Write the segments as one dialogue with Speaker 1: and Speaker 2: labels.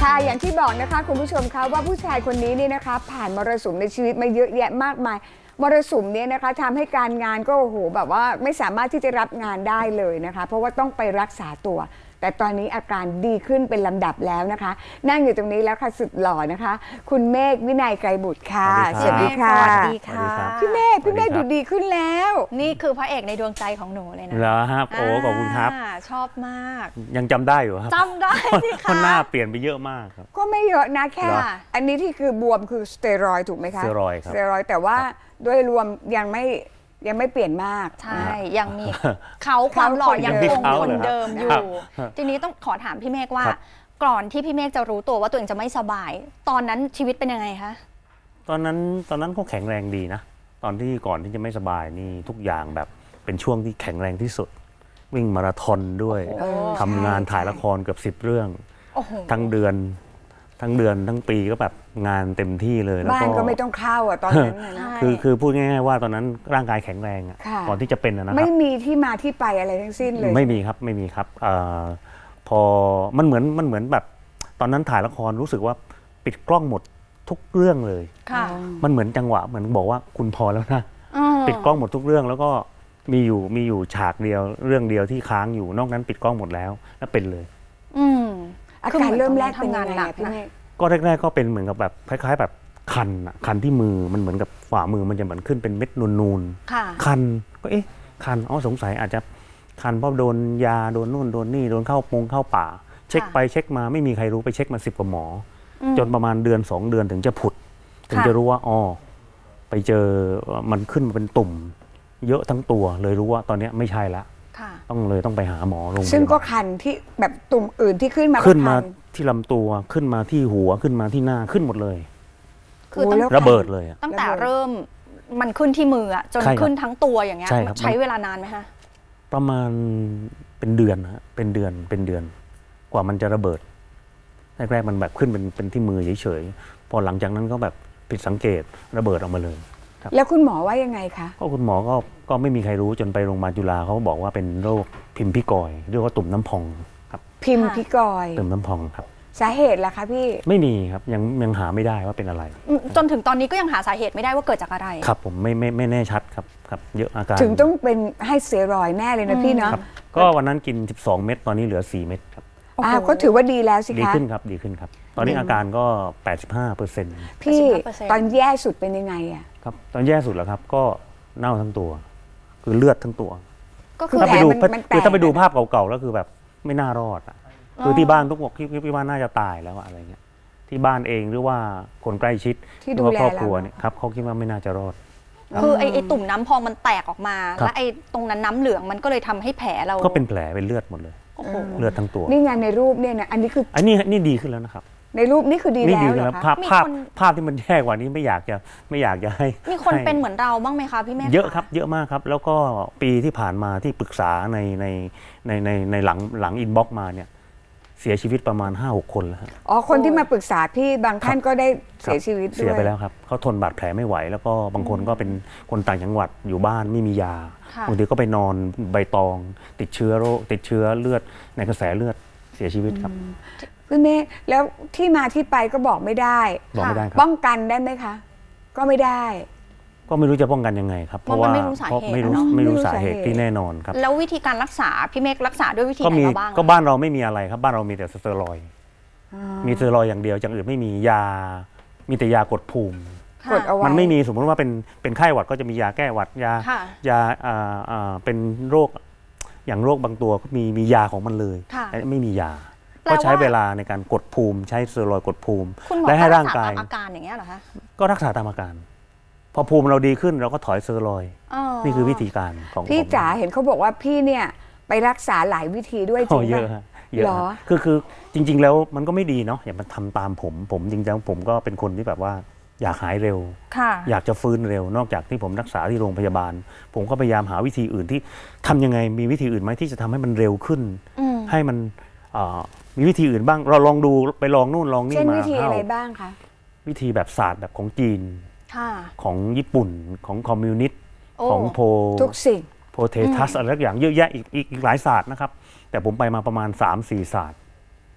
Speaker 1: ค่ะอย่างที่บอกนะคะคุณผู้ชมคะว่าผู้ชายคนนี้เนี่ยนะคะผ่านมรสุมในชีวิตมาเยอะแยะมากมายมรสุมเนี่ยนะคะทำให้การงานก็โอ้โหแบบว่าไม่สามารถที่จะรับงานได้เลยนะคะเพราะว่าต้องไปรักษาตัวแต่ตอนนี้อาการดีขึ้นเป็นลำดับแล้วนะคะนั่งอยู่ตรงนี้แล้วค่ะสุดหล่อนะคะคุณเมฆวินัยไกรบุตรค่ะ
Speaker 2: สวัสดีค่ะ
Speaker 3: สวัสดีค่ะ
Speaker 1: พี่เมฆดูดีขึ้นแล้ว
Speaker 3: นี่คือพระเอกในดวงใจของหนูเลยนะ
Speaker 2: เหรอครับโอ้ขอบคุณครับ
Speaker 3: ชอบมาก
Speaker 2: ยังจำได้อยู่ครับ
Speaker 3: จำได้สิ
Speaker 2: เพ
Speaker 3: คะ
Speaker 2: ราะหน้าเปลี่ยนไปเยอะมากครับ
Speaker 1: ก็ไม่เยอะนะแค่
Speaker 2: เหรอ
Speaker 1: อันนี้ที่คือบวมคือสเตียรอยด์ถูกไหมคะ
Speaker 2: สเตียรอยด์ครับ
Speaker 1: สเตียรอยด์แต่ว่าโดยรวมยังไม่เปลี่ยนมาก
Speaker 3: ใช่ยังมีเขาความหล่อยังคงคนเดิมอยู่ ทีนี้ต้องขอถามพี่เมฆว่า ก่อนที่พี่เมฆจะรู้ตัวว่าตัวเองจะไม่สบาย ตอนนั้นชีวิตเป็นยังไงคะ
Speaker 2: ตอนนั้นก็แข็งแรงดีนะตอนที่ก่อนที่จะไม่สบายนี่ทุกอย่างแบบเป็นช่วงที่แข็งแรงที่สุด วิ่งมาราธอนด้วย
Speaker 1: โอ้
Speaker 2: ทำงาน
Speaker 1: ใช่
Speaker 2: ถ่ายละครเกือบ10 เรื่อง
Speaker 3: โอ้โห
Speaker 2: ทั้งเดือนทั้งปีก็แบบงานเต็มที่เลยแล้ว
Speaker 1: บ้าน
Speaker 2: ก็
Speaker 1: ก็ไม่ต้องเข้าอ่ะตอนนั้นน่ะนะ
Speaker 2: คือพูดง่ายๆว่าตอนนั้นร่างกายแข็งแรงอะ
Speaker 1: ค่ะ
Speaker 2: ก่อนที่จะเป็นนะค
Speaker 1: ไม่
Speaker 2: รับ
Speaker 1: มีที่มาที่ไปอะไรทั้งสิ้นเลย
Speaker 2: ไม่มีครับไม่มีครับพอมันเหมือนแบบตอนนั้นถ่ายละครรู้สึกว่าปิดกล้องหมดทุกเรื่องเลย
Speaker 3: ค่ะ
Speaker 2: มันเหมือนจังหวะเหมือนบอกว่าคุณพอแล้วนะ
Speaker 3: อืม
Speaker 2: ปิดกล้องหมดทุกเรื่องแล้วก็มีอยู่ฉากเดียวเรื่องเดียวที่ค้างอยู่นอกนั้นปิดกล้องหมดแล้วเป็นเลย
Speaker 3: อืม
Speaker 1: อา
Speaker 3: คือ
Speaker 1: การ
Speaker 3: หอน
Speaker 1: เริ่มแรก
Speaker 3: ตอน
Speaker 1: เป็น
Speaker 3: นั้น
Speaker 1: ยังไง
Speaker 3: ทำงานหนั
Speaker 1: อะ
Speaker 3: ก
Speaker 1: พี่
Speaker 3: นะ
Speaker 1: เมฆ
Speaker 2: ก็แรกๆก็เป็นเหมือนกับแบบคล้ายๆแบบคันที่มือมันเหมือนกับฝ่ามือมันจะเหมือนขึ้นเป็นเม็ดนูน
Speaker 3: ค่ะ
Speaker 2: ๆคันก็คันสงสัยอาจจะคันเพราะโดนยาโดนนู่นโดนนี่โดนเข้าป่า เช็คไปเช็คมาไม่มีใครรู้ไปเช็คมา10 กว่าหมออจนประมาณเดือน 2 เดือนถึงจะผุด ถึงจะรู้ว่าไปเจอมันขึ้นมาเป็นตุ่ม เยอะทั้งตัวเลยรู้ว่าตอนนี้ไม่ใช่ละ
Speaker 3: ค่ะ
Speaker 2: ต้องไปหาหมอโรงพยาบาล
Speaker 1: ซึ่งก็คันที่แบบตุ่มอื่นที่ขึ้นมาก็
Speaker 2: ขึ้นมา
Speaker 1: คัน
Speaker 2: ที่ลำตัวขึ้นมาที่หัวขึ้นมาที่หน้าขึ้นหมดเลย
Speaker 3: คือ
Speaker 1: โอ้
Speaker 3: ตั้ง
Speaker 1: แล้ว
Speaker 2: ระเบิดเลยอะ
Speaker 3: ตั้งแต่
Speaker 1: ระเบิด
Speaker 3: เริ่มมันขึ้นที่มืออะจน
Speaker 2: ใช่ครับ
Speaker 3: ขึ้นทั้งตัวอย่างเงี้ย
Speaker 2: ใช่ครับ
Speaker 3: ใช้เวลานานไหมคะ
Speaker 2: ประมาณเป็นเดือนฮะเป็นเดือนกว่ามันจะระเบิดแรกๆมันแบบขึ้นเป็นที่มือเฉยๆพอหลังจากนั้นก็แบบผิดสังเกตระเบิดออกมาเลย
Speaker 1: แล้วคุณหมอว่ายังไงคะ
Speaker 2: ก็คุณหมอก็ไม่มีใครรู้จนไปโรงพยาบาลจุฬาเขาบอกว่าเป็นโรคพิมพ์พิกอยเรียกว่าตุ่มน้ำพองครับ
Speaker 1: พิมพ์พิกอย
Speaker 2: ตุ่มน้ำพองครับ
Speaker 1: สาเหตุล่ะคะพี่
Speaker 2: ไม่มีครับยังหาไม่ได้ว่าเป็นอะไร
Speaker 3: จนถึงตอนนี้ก็ยังหาสาเหตุไม่ได้ว่าเกิดจากอะไร
Speaker 2: ครับผมไม่แน่ชัดครับเยอะอาการ
Speaker 1: ถึงต้องเป็นให้สเตียรอยด์แน่เลยนะพี่เนาะ
Speaker 2: ครับก็วันนั้นกิน12 เม็ดตอนนี้เหลือ4 เม็ดครับ
Speaker 3: โอ้โห
Speaker 1: ก็ถือว่าดีแล้วสิ
Speaker 2: ดี
Speaker 1: คะ
Speaker 2: ขึ้นครับดีขึ้นครับ ตอนนี้อาการก็ 85%
Speaker 1: พี่
Speaker 3: 85%
Speaker 1: ตอนแย่สุดเป็นยังไงอะ
Speaker 2: ครับตอนแย่สุดแล้วครับก็เน่าทั้งตัว คือเลือดทั้งตัว
Speaker 3: ก็คือ
Speaker 2: ถ้าไปดู
Speaker 1: มันแตก
Speaker 2: คือถ้าไปดูภาพเก่าๆแล้วคือแบบไม่น่ารอดอ่ะคือที่บ้านทุกคนที่บ้านน่าจะตายแล้วอะอะไรเงี้ยที่บ้านเองหรือว่าคนใกล้ชิด
Speaker 1: ที่
Speaker 2: หรื
Speaker 1: ดู
Speaker 2: ว่า
Speaker 1: แล
Speaker 2: ครอบ
Speaker 1: เรา
Speaker 2: ครัวเนี่ยครับเขาคิดว่าไม่น่าจะรอด
Speaker 3: คือไอ้ตุ่มน้ำพองมันแตกออกมา
Speaker 2: ครับ
Speaker 3: และไอ้ตรงนั้นน้ำเหลืองมันก็เลยทำให้แผลเรา
Speaker 2: ก็เป็นแผลเป็นเลือดหมดเลย
Speaker 3: โอ้โห
Speaker 2: เลือดทั้งตัว
Speaker 1: นี่ไงในรูปเนี่ยนะอันนี้คือ
Speaker 2: อันนี้ดีขึ้นแล้วนะครับ
Speaker 1: ในรูปนี่คือดี
Speaker 2: นี่
Speaker 1: แล้ว
Speaker 2: ดี
Speaker 1: เหร
Speaker 2: แล้
Speaker 1: อ
Speaker 2: ว
Speaker 1: คะ
Speaker 2: ภาพที่มันแย่กว่านี้ไม่อยากจะให้
Speaker 3: มีคน
Speaker 2: ให้
Speaker 3: เป็นเหมือนเราบ้างไหมคะพี่เมฆ
Speaker 2: เยอะครับเยอะมากครับ แล้วก็ปีที่ผ่านมาที่ปรึกษาในหลังอินบ็อกซ์มาเนี่ยเสียชีวิตประมาณ 5-6 คนแล้วครับ
Speaker 1: อ๋อคนที่มาปรึกษาพี่บางท่านก็ได้เสียชีวิตด้วย
Speaker 2: เสียไปแล้วครับเขาทนบาดแผลไม่ไหว แล้วก็บางคนก็เป็นคนต่างจังหวัดอยู่บ้านไม่มียา
Speaker 3: ค่ะ
Speaker 2: บางทีก็ไปนอนใบตองติดเชื้อเลือดในกระแสเลือดเสียชีวิตครับ
Speaker 1: พี่เมฆแล้วที่มาที่ไปก็บอกไม่ได้
Speaker 2: บอกไม่ได้ครับ
Speaker 1: ป้องกันได้ไหมคะ ก็ไม่ได้
Speaker 2: ก็ไม่รู้จะป้องกันยังไงครับ
Speaker 3: เพราะมันไม่รู้สาเหตุ
Speaker 2: เพราะไม่รู้
Speaker 3: อะเนาะ
Speaker 2: ไม่รู้
Speaker 1: ไม่รู้
Speaker 2: สาเหตุ
Speaker 1: สาเหตุ
Speaker 2: ที่แน่นอนครับ
Speaker 3: แล้ววิธีการรักษาพี่เมฆรักษาด้วยวิธี
Speaker 2: ก็
Speaker 3: ไหน
Speaker 2: มี
Speaker 3: มาบ้างอะ
Speaker 2: ก็บ้านเราไม่มีอะไรครับ บ้านเรามีแต่สเตียรอยด์มีสเตียรอยด์อย่างเดียวอย่างอื่นไม่มียา มีแต่ยากดภูมิ
Speaker 3: ค่ะ
Speaker 1: กดเอาไว้
Speaker 2: มันไม่มีสมมติว่าเป็นไข้หวัดก็จะมียาแก้หวัดยา
Speaker 3: ค่ะ
Speaker 2: ยาเป็นโรคอย่างโรคบางตัวก็มียาของมันเลย
Speaker 3: ค่ะ
Speaker 2: แต่ไม่มียา
Speaker 3: แปล
Speaker 2: ก็
Speaker 3: ว่า
Speaker 2: ใช้เวลาในการกดภูมิ ใช้สเตียรอยด์กดภูมิ
Speaker 3: คุณหมอ
Speaker 2: และให้
Speaker 3: ก็
Speaker 2: ร่างกาย
Speaker 3: ตามอาการอย่างเงี้ยเหรอคะ
Speaker 2: ก็รักษาตามอาการ พอภูมิเราดีขึ้นเราก็ถอยสเตียรอยด์นี่คือวิธีการของ
Speaker 1: พี่
Speaker 2: ของ
Speaker 1: จ๋าเห็นเขาบอกว่าพี่เนี่ยไปรักษาหลายวิธีด้วยจ
Speaker 2: โอ้
Speaker 1: ริง
Speaker 2: เย
Speaker 1: ป่ะ
Speaker 2: อะฮะเยอะ
Speaker 1: เหรอ
Speaker 2: ฮะคือจริง ๆ แล้วมันก็ไม่ดีเนาะอย่ามาทำตามผมจริงๆผมก็เป็นคนที่แบบว่าอยากหายเร็ว
Speaker 3: ค่ะ
Speaker 2: อยากจะฟื้นเร็วนอกจากที่ผมรักษาที่โรงพยาบาล ผมก็พยายามหาวิธีอื่นที่ทำยังไงมีวิธีอื่นไหมที่จะทำให้มันเร็วขึ้น ให้มันมีวิธีอื่นบ้างเราลองดูไปลองนู่นลองนี่
Speaker 1: เช่น
Speaker 2: มา
Speaker 1: วิธีอะไร
Speaker 2: เอ้า
Speaker 1: บ้างคะ
Speaker 2: วิธีแบบศาสตร์แบบของจีน
Speaker 3: ค่ะ
Speaker 2: ของญี่ปุ่นของคอมมิวนิสต์
Speaker 3: โอ้
Speaker 2: ของโพ
Speaker 1: ทุกสิ่ง
Speaker 2: โพเททัสอะไรทุกอย่างเยอะแยะอีกหลายศาสตร์นะครับแต่ผมไปมาประมาณ 3-4 ศาสตร์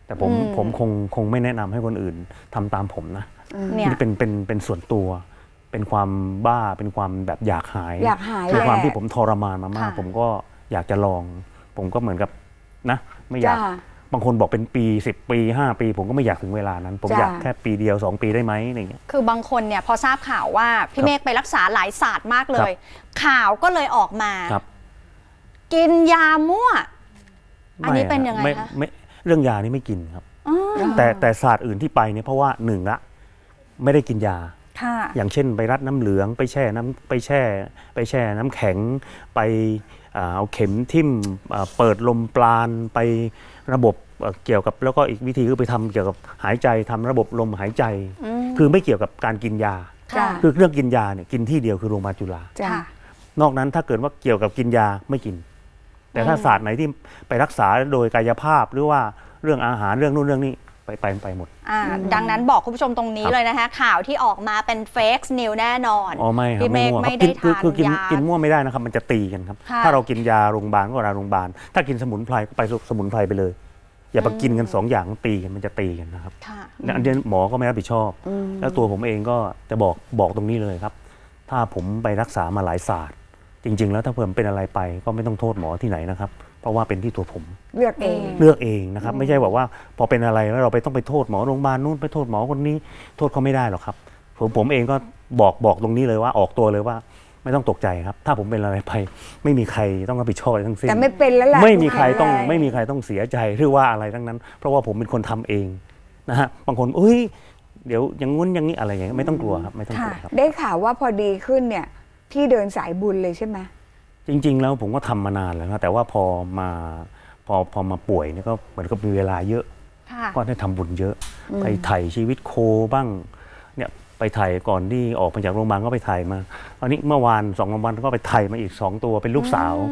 Speaker 2: แต่ผมคงไม่แนะนำให้คนอื่นทำตามผมนะ
Speaker 3: เนี่ย
Speaker 2: นี่เป็นส่วนตัว เป็นความบ้าเป็นความแบบอยากหาย
Speaker 1: อยากหาย
Speaker 2: คือความ
Speaker 1: แหละ
Speaker 2: ที่ผมทรมานมามาก
Speaker 3: ค่ะ
Speaker 2: ผมก็อยากจะลอง ผมก็เหมือนกับนะไม่อยาก
Speaker 1: จ้า
Speaker 2: บางคนบอกเป็นปี10 ปี 5 ปี ผมก็ไม่อยากถึงเวลานั้น ผม
Speaker 1: จ้ะ
Speaker 2: อยากแค่ปีเดียว 2 ปีได้ไหมอะไรอย่างเงี้ย
Speaker 3: คือบางคนเนี่ยพอทราบข่าวว่าพี่เมฆไปรักษาหลายศาสตร์มากเลย ข่าวก็เลยออกมา
Speaker 2: ครับ
Speaker 3: กินยามั่ว อันนี้เป็นยังไง
Speaker 2: ม่
Speaker 3: คะ
Speaker 2: ไม่เรื่องยานี่ไม่กินครับ
Speaker 3: อ๋อ
Speaker 2: แต่ศาสตร์อื่นที่ไปเนี่ยเพราะว่าหนึ่งละไม่ได้กินยา
Speaker 3: ค่ะ
Speaker 2: อย่างเช่นไปรัดน้ำเหลืองไปแช่น้ำแข็งไปเอาเข็มทิ่มเปิดลมปราณไประบบเกี่ยวกับแล้วก็อีกวิธีคือไปทำเกี่ยวกับหายใจทำระบบลมหายใจ คือไม่เกี่ยวกับการกินยา
Speaker 1: จ้า
Speaker 2: คือเรื่องกินยาเนี่ยกินที่เดียวคือโรงพยาบาลจุฬา
Speaker 1: จ้า
Speaker 3: ค่ะ
Speaker 2: นอกนั้นถ้าเกิดว่าเกี่ยวกับกินยาไม่กิน แต่ถ้าศาสตร์ไหนที่ไปรักษาโดยกายภาพหรือว่าเรื่องอาหารเรื่องนู่นเรื่องนี้ไปหมด
Speaker 3: ดังนั้นบอกคุณผู้ชมตรงนี้
Speaker 2: ครับ
Speaker 3: เลยนะคะข่าวที่ออกมาเป็นเฟกซ์นิวแน่นอน
Speaker 2: อ๋อไม่ครับ
Speaker 3: พี่เมฆ
Speaker 2: มั่วค
Speaker 3: ไม่
Speaker 2: รับ
Speaker 3: ได้
Speaker 2: คือ
Speaker 3: ทาน
Speaker 2: คือกิน
Speaker 3: ยา
Speaker 2: กินมั่วไม่ได้นะครับมันจะตีกันครับ
Speaker 3: ค่ะ
Speaker 2: ถ้าเรากินยาโรงพยาบาลก็ยาโรงพยาบาลถ้ากินสมุนไพรก็ไปสมุนไพรไปเลย อย่าไปกินกันสองอย่างตีกันมันจะตีกันนะครับ
Speaker 3: ค่ะ
Speaker 2: อันนี้หมอก็ไม่รับผิดชอบ แล้วตัวผมเองก็จะบอกตรงนี้เลยครับ ถ้าผมไปรักษามาหลายศาสตร์ จริง ๆ แล้วถ้าเพิ่มเป็นอะไรไปก็ไม่ต้องโทษหมอที่ไหนนะครับ เพราะว่าเป็นที่ตัวผม
Speaker 1: เลือกเอง
Speaker 2: เลือกเองนะครับ ไม่ใช่บอกว่าพอเป็นอะไรแล้วเราไปต้องไปโทษหมอโรงพยาบาลนู่นไปโทษหมอคนนี้โทษเขาไม่ได้หรอกครับผมเองก็บอกตรงนี้เลยว่าออกตัวเลยว่าไม่ต้องตกใจครับ ถ้าผมเป็นอะไรไปไม่มีใครต้องรับผิดชอบอะไรทั้งสิ้น
Speaker 1: แต่ไม่เป็นแล้วล่ะ
Speaker 2: ไม่มีใครต้อง
Speaker 1: ด้
Speaker 2: ไม่มีใครต้องเสียใจหรือว่าอะไรทั้งนั้น เพราะว่าผมเป็นคนทำเองนะฮะบางคนเอ้ยเดี๋ยวอย่างงู้นอย่างนี้อะไรอย่างเงี้ยไม่ต้องกลัวครับไม่ต้องกลัวครับ
Speaker 1: ได้ข่าวว่าพอดีขึ้นเนี่ยพี่เดินสายบุญเลยใช่ไหม
Speaker 2: จริง ๆ แล้วผมก็ทำมานานแล้วนะแต่ว่าพอมาป่วยเนี่ยก็เหมือนกับมีเวลาเยอะ
Speaker 3: ค่ะ
Speaker 2: ก็ได้ทำบุญเยอะ ไปถ่ายชีวิตโคบ้างเนี่ยไปถ่ายก่อนที่ออกมาจากโรงพยาบาลก็ไปถ่ายมาตอนนี้เมื่อวาน2 วันก็ไปถ่ายมาอีก2 ตัวเป็นลูกสาว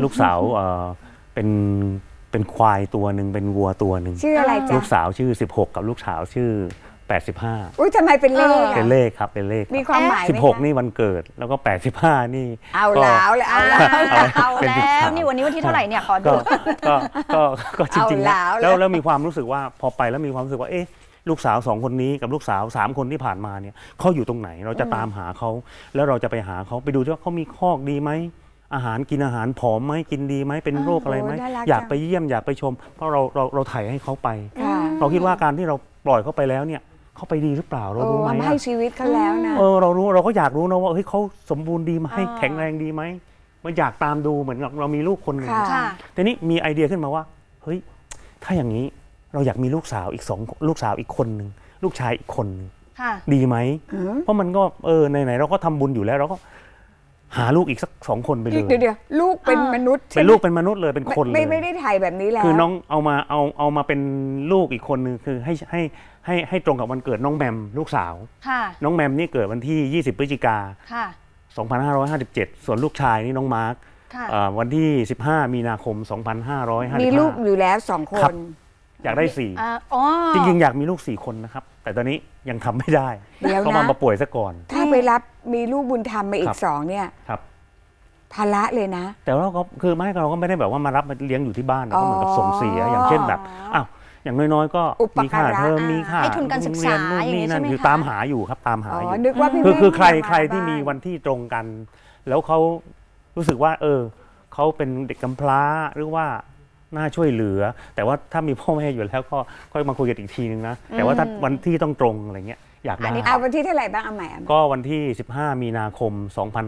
Speaker 2: เป็นควายตัวหนึ่งเป็นวัวตัวหนึ่ง
Speaker 1: ชื่ออะไรจ๊ะ
Speaker 2: ลูกสาวชื่อ16กับลูกสาวชื่อ85
Speaker 1: อุ้ยทำไมเป็นเลข
Speaker 2: เป็น
Speaker 1: อะ
Speaker 2: เลขครับเป็นเลข
Speaker 1: มีความหมายไหม
Speaker 2: 16
Speaker 1: คะ
Speaker 2: นี่วันเกิดแล้วก็85นี่
Speaker 1: เอา
Speaker 2: ก็
Speaker 1: แล้วเลยเอาแล้ว
Speaker 3: เอา
Speaker 2: เป็น
Speaker 3: แล้
Speaker 2: 13
Speaker 3: วนี่วันนี้วันที่เท่าไหร่เนี่ยขอดู
Speaker 2: ก็จริงๆ
Speaker 1: เอาแล้ว
Speaker 2: แล้วมีความรู้สึกว่าพอไปแล้วมีความรู้สึกว่าเอ๊ะลูกสาว2 คนนี้กับลูกสาว3 คนที่ผ่านมาเนี่ยเขาอยู่ตรงไหนเราจะตามหาเขาแล้วเราจะไปหาเขาไปดูว่าเขามีคอกดีไหมอาหารกินอาหารผอมไหมกินดีไหมเป็นโรคอะไรไหม
Speaker 1: โอ้น่ารัก
Speaker 2: อยาก
Speaker 1: จัง
Speaker 2: ไปเยี่ยมอยากไปชม เพราะเราถ่ายให้เขาไป
Speaker 1: ค่ะ
Speaker 2: เราคิดว่าการที่เราปล่อยเขาไปแล้วเนี่ยเขาไปดีหรือเปล่าเรา
Speaker 1: โอ้
Speaker 2: รู้ไหม
Speaker 1: ทำให้ชีวิตเขาแล้วนะ
Speaker 2: เราก็อยากรู้นะว่าเฮ้ยเขาสมบูรณ์ดีไหม
Speaker 3: อ่า
Speaker 2: แข็งแรงดีไหมมันอยากตามดูเหมือนกับเรามีลูกคนหนึ่ง
Speaker 1: ค่ะ
Speaker 3: ค่ะ
Speaker 2: ทีนี้มีไอเดียขึ้นมาว่าเฮ้ยถ้าอย่างนี้เราอยากมีลูกสาวอีกลูกสาวอีกคนหนึ่งลูกชายอีกคนหนึ่ง
Speaker 3: ค่ะ
Speaker 2: ดีไหม
Speaker 1: อืม
Speaker 2: เพราะมันก็ไหนๆเราก็ทำบุญอยู่แล้วเราก็หาลูกอีกสัก2 คนไปเลย
Speaker 1: เดี๋ยวลูกเป็นมนุษย์ใช่
Speaker 2: เป็น
Speaker 1: ไหม
Speaker 2: ลูกเป็นมนุษย์เลยเป็นคนเลย
Speaker 1: ไม่ได้ถ่ายแบบนี้แล้ว
Speaker 2: คือน้องเอามาเป็นลูกอีกคนนึงคือให้ตรงกับวันเกิดน้องแมมลูกสาว
Speaker 3: ค่ะ
Speaker 2: น้องแมมนี่เกิดวันที่20 พฤศจิกา
Speaker 3: ค่ะ
Speaker 2: 2557 ส่วนลูกชายนี่น้องมาร์ค
Speaker 3: ค่ะ
Speaker 2: วันที่15 มีนาคม 2555
Speaker 1: มีลูกอยู่แล้ว2 ค
Speaker 2: ครับ
Speaker 1: น
Speaker 2: อยากได้
Speaker 3: อ๋อ
Speaker 2: 4 จริงๆ อยากมีลูก 4 คนนะครับ แต่ตอนนี้ยังทำไม่ได้
Speaker 1: เดี๋ยวนะ
Speaker 2: ก็มาป่วยซะก่อน
Speaker 1: ถ้าไปรับมีลูกบุญธรรมมาอี
Speaker 2: ครั
Speaker 1: ก
Speaker 2: บ
Speaker 1: 2เนี่ย
Speaker 2: ครับ
Speaker 1: ภาระเลยนะ
Speaker 2: แต่ว่าเราก็คือไม่เราก็ไม่ได้แบบว่ามารับมาเลี้ยงอยู่ที่บ้านนะก็เหมือนกับส่งเสียอย่างเช่นแบบอ้าวอย่างน้อยๆก็
Speaker 1: อุป
Speaker 2: มีค่า
Speaker 1: การะ
Speaker 2: เทอมมีค่า
Speaker 3: ให้ทุนการศึกษา
Speaker 2: โรงเรียนนู่นนี่นั่น
Speaker 3: อย่างนี้ใช่ไหม
Speaker 2: คือ
Speaker 3: คะ
Speaker 2: ตามหาอยู่ครับตามหา
Speaker 1: อ๋อ
Speaker 2: อยู่
Speaker 1: นึกว่าพี่
Speaker 2: คือ
Speaker 1: เมฆ
Speaker 2: ใคร
Speaker 1: จะา
Speaker 2: ใครที่มี
Speaker 1: บ้าน
Speaker 2: วันที่ตรงกัน แล้วเขารู้สึกว่าเขาเป็นเด็กกำพร้าหรือว่าน่าช่วยเหลือ แต่ว่าถ้ามีพ่อแม่อยู่แล้วก็ค่อยมาคุยกันอีกทีนึงนะแต่ว่าถ้าวันที่ต้องตรงอะไรเงี้ยอยาก
Speaker 3: อั
Speaker 2: ได้
Speaker 3: นนี้
Speaker 1: เอาวันที่เท่าไหร่บ้างเอาใหม่
Speaker 2: ก็วันที่ 15 มีนาคม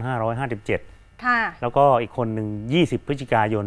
Speaker 2: 2557
Speaker 3: ค่ะ
Speaker 2: แล้วก็อีกคนหนึ่ง20 พฤศจิกายน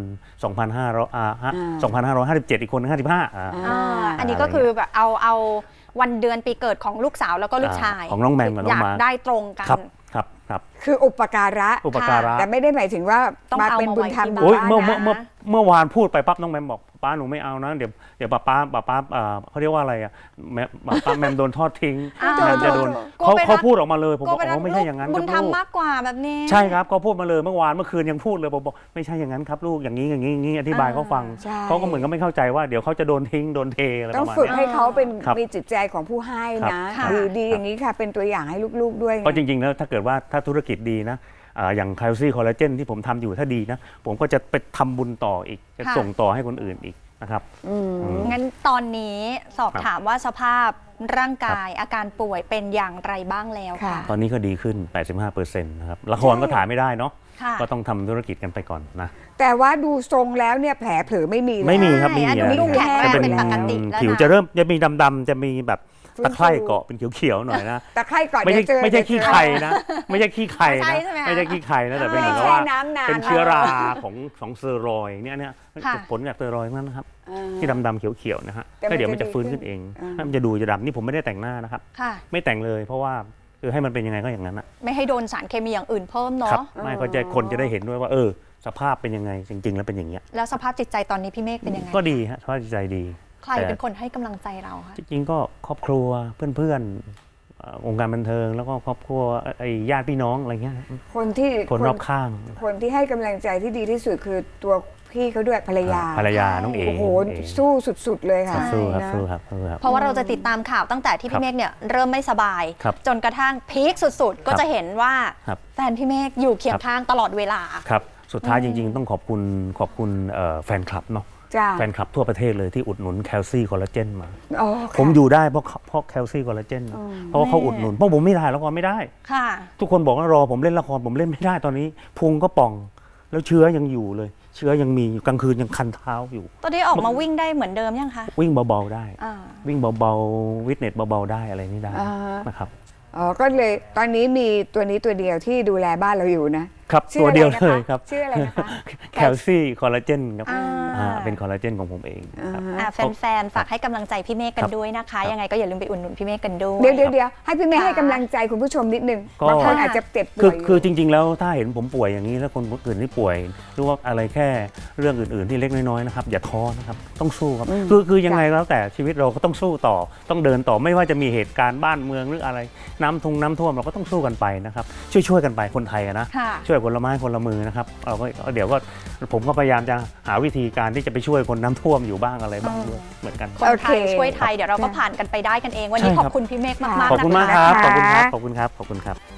Speaker 2: 2557 อีกคนหนึง55
Speaker 3: อันนี้ก็คือแบบเอาวันเดือนปีเกิดของลูกสาวแล้วก็ลูกชาย
Speaker 2: ของน้องแมมกับน้องมาร์ค
Speaker 3: อยากได้ตรงกัน
Speaker 2: ครับ
Speaker 1: คืออุปการะ
Speaker 2: อุปการะ
Speaker 1: แต่ไม่ได้หมายถึงว่า
Speaker 3: ต้อง
Speaker 1: มา
Speaker 3: เอา
Speaker 1: เป็น
Speaker 3: มา
Speaker 1: บุญ
Speaker 3: ไว้
Speaker 1: ธรรม
Speaker 3: ที่
Speaker 1: อ
Speaker 3: บ้าน
Speaker 1: ยู่
Speaker 2: โอ้ย
Speaker 1: บ้าน
Speaker 2: เมื่อ
Speaker 1: นะ
Speaker 2: วานพูดไปปั๊บน้องแมมบอกป้าหนูไม่เอานะเดี๋ยวป้าเขาเรียกว่าอะไรอ่ะป้าแมมโดนทอดทิ้ง
Speaker 3: อ้าว
Speaker 2: แมมจะโดน
Speaker 3: กลัวไป
Speaker 2: เขาพูดออกมาเลยผมบอก
Speaker 3: ก็เป็น
Speaker 2: อ๋อไม่ใช่อย่างนั้น
Speaker 3: บุญธรรม
Speaker 2: ลูก
Speaker 3: มากกว่าแบบนี้
Speaker 2: ใช่ครับเขาพูดมาเลยเมื่อคืนยังพูดเลยผมบอกไม่ใช่อย่างนั้นครับลูกอย่างนี้อธิบายเขาฟัง
Speaker 1: ใช่
Speaker 2: เขาก็เหมือนก็ไม่เข้าใจว่าเดี๋ยวเขาจะโดนทิ้งโดนเทอะไร
Speaker 1: ต้
Speaker 2: ป
Speaker 1: อง
Speaker 2: ระมาณ
Speaker 1: ฝึก
Speaker 2: เนี้ย
Speaker 1: ให้เขาเป็น
Speaker 2: ครับ
Speaker 1: มีจิตใจของผู้ให้นะ
Speaker 3: ครับ
Speaker 1: ดีอย่างนี้ค่ะ เป็นตัวอย่างให้ลูกๆด้วยไง
Speaker 2: เพราะจริงๆแล้วถ้าเกิดว่าถ้าธุรกิจดีนะอย่างแคลซี่คอลลาเจนที่ผมทำอยู่ถ้าดีนะผมก็จะไปทำบุญต่ออีกจะ
Speaker 3: ค่ะ
Speaker 2: ส่งต่อให้คนอื่นอีกนะครับ
Speaker 3: งั้นตอนนี้สอบถามว่าสภาพร่างกายอาการป่วยเป็นอย่างไรบ้างแล้ว
Speaker 1: ค่ะ
Speaker 3: ค่ะ
Speaker 2: ตอนนี้ก็ดีขึ้น 85%นะครับละครก็ถ่ายไม่ได้เนาะ
Speaker 3: ค่ะ
Speaker 2: ก็ต้องทำธุรกิจกันไปก่อนนะ
Speaker 1: แต่ว่าดูทรงแล้วเนี่ยแผลเผลอไม่มีแล้ว
Speaker 2: ไม่มีครับไม่มี
Speaker 3: ใช่อันนี้ดูแข็งแรง
Speaker 2: จะ
Speaker 3: เป็นปกติแล้วนะ
Speaker 2: ผิวจะเริ่มจะมีดำๆจะมีแบบตะไคร่เกาะเป็นเขียวๆหน่อยนะ
Speaker 1: ตะไคร่ก่อน
Speaker 2: ไม่ใช่
Speaker 1: เดี๋ยวเจอ
Speaker 2: ไม่ใช่
Speaker 1: เดี๋ยวเจอ
Speaker 2: ขี้ไข่นะ ไม่ใช่ขี้ไข่
Speaker 3: ใช่
Speaker 2: นะ
Speaker 3: ใช่ไหมคะ
Speaker 2: ไม่ใช่ขี้ไข่นะแต่เป็นเหมือนกับ
Speaker 1: ไม่
Speaker 2: ว่า
Speaker 1: แช่น้ำนาน
Speaker 2: เป็นเชื้อราของสเตียรอยด์เนี่ย
Speaker 3: ค่ะ
Speaker 2: ผลจากสเตียรอยด์นั่นนะครับ
Speaker 1: อ่า
Speaker 2: ที่ดำๆเขียวๆนะฮะ
Speaker 1: แต่มัน
Speaker 2: แล้วเดี๋ยวมัน
Speaker 1: จะ
Speaker 2: จะฟื้น
Speaker 1: ดีขึ้
Speaker 2: ขึ้
Speaker 1: น
Speaker 2: นเอง
Speaker 1: อ่า
Speaker 2: มันจะดูจะดำนี่ผมไม่ได้แต่งหน้านะครับ
Speaker 3: ค่ะ
Speaker 2: ไม่แต่งเลยเพราะว่าคือให้มันเป็นยังไงก็อย่างนั้นนะ
Speaker 3: ไม่ให้โดนสารเคมีอย่างอื่นเพิ่ม
Speaker 2: ครั
Speaker 3: เนาะ
Speaker 2: ไม่ก็จะคนจะได้เห็นด้วยว่าสภาพเป็นยังไงจริง ๆ แล้วเป็นอย่างเงี้ย
Speaker 3: แล้วสภาพจิตใจตอนนี้พี่เมฆเป็นยังไง
Speaker 2: ก็ดีฮะสภาพจิตใจดี
Speaker 3: ใครเป็นคนให้กำลังใจเราคะ
Speaker 2: จริงๆก็ครอบครัวเพื่อนๆองค์การบันเทิงแล้วก็ครอบครัวไอ้ญาติพี่น้องอะไรเงี้ย คนรอบข้าง
Speaker 1: คนที่ให้กำลังใจที่ดีที่สุดคือตัวพี่เขาด้วยภรรยา
Speaker 2: ภรรยาน้องเอ๋
Speaker 1: โอ้โห
Speaker 2: เอ๋
Speaker 1: สู้สุดๆเลยค่ะ
Speaker 2: สู้ครับ
Speaker 1: นะ
Speaker 2: สู้ครับสู้ครับ
Speaker 3: เพราะว่าเราจะติดตามข่าวตั้งแต่ที่
Speaker 2: ครั
Speaker 3: พี่
Speaker 2: บ
Speaker 3: เมฆเนี่ยเริ่มไม่สบาย
Speaker 2: ครับ
Speaker 3: จนกระทั่งพีคสุดๆ ก็
Speaker 2: ครับ
Speaker 3: จะเห็นว่า
Speaker 2: ครับ
Speaker 3: แฟนพี่เมฆอยู่เคียงข้างตลอดเวลา
Speaker 2: ครับสุดท้ายจริง ๆ ต้องขอบคุณแฟนคลับเนาะ
Speaker 1: จ้า
Speaker 2: แฟนคลับทั่วประเทศเลยที่อุดหนุนแคลซี่คอลลาเจนมา
Speaker 1: อ๋อ
Speaker 2: ผมอยู่ได้เพราะแคลซี่คอลลาเจนเพราะว่าเขาอุดหนุนเพราะผมไม่ได้ละครไม่ได้
Speaker 3: ค่ะ
Speaker 2: ทุกคนบอกว่ารอผมเล่นละครผมเล่นไม่ได้ตอนนี้พุงก็ป่องแล้วเชื้อยังอยู่เลย เชื้อยังมีอยู่กลางคืนยังคันเท้าอยู่
Speaker 3: ตอนนี้ออกมาวิ่งได้เหมือนเดิมยังคะ
Speaker 2: วิ่งเบาๆได้
Speaker 3: อ่า
Speaker 2: วิ่งเบาๆวิตเนสเบาๆได้อะไรนี่ได้
Speaker 1: อ่าฮะ
Speaker 2: นะครับ
Speaker 1: อ๋อ ก็เลยตอนนี้มีตัวนี้ตัวเดียวที่ดูแลบ้านเราอยู่นะ
Speaker 2: ครับ
Speaker 1: ชื่
Speaker 2: ตั
Speaker 1: อ
Speaker 2: ว
Speaker 1: อะไร
Speaker 2: เดียว
Speaker 1: นะคะ
Speaker 2: เลยครับ
Speaker 1: ชื่ออะไรนะคะ
Speaker 2: แคลซี่คอลลาเจนครับ
Speaker 3: อ่า
Speaker 2: เป็นคอลลาเจนของผมเองครับ
Speaker 3: แฟนๆ ฝากให้กำลังใจพี่เมฆกันด้วยนะคะ ยังไงก็อย่าลืมไปอุดหนุนพี่เมฆกันด้วย
Speaker 1: เดี๋ยวให้พี่เมย์ให้กำลังใจคุณผู้ชมนิดนึง
Speaker 2: ก็
Speaker 1: บางคนอาจจะเจ็บป่
Speaker 2: คื
Speaker 1: ว
Speaker 2: อย
Speaker 1: อยู่
Speaker 2: คือจริง ๆ แล้วถ้าเห็นผมป่วยอย่างนี้แล้วคนอื่นที่ป่วยหรือว่าอะไรแค่เรื่องอื่นๆที่เล็กน้อยๆนะครับอย่าท้อนะครับต้องสู้ครับคือยังไงแล้วแต่ชีวิตเราก็ต้องสู้ต่อต้องเดินต่อไม่ว่าจะมีเหตุการณ์บ้านเมืองหรืออะไรน้ำท่วมเราก็ต้องสู้กันไปนะครับช่วยกันไปคนไทยอะนะ
Speaker 3: ค่ะ
Speaker 2: ช่วยคนละไม้คนละมือนะครับเราก็เดี๋ยวก็ผมก็พยายามจะหาวิธีการที่จะไปช่วยคนน้ำท่วมอยู่บ้างอะไรบ้างด้วยเหมือนกัน
Speaker 3: คนไทย
Speaker 1: โอเค
Speaker 3: ช่วยไทยเดี๋ยวเราก็ผ่านกันไปได้กันเอง วันนี้
Speaker 2: ใช่
Speaker 3: ข
Speaker 2: ครับ
Speaker 3: อบคุณพี่เมฆมากๆ
Speaker 2: ขอบคุณมาก
Speaker 3: นะคะ
Speaker 2: ครับขอบคุณครับขอบคุณครับขอบคุณครับ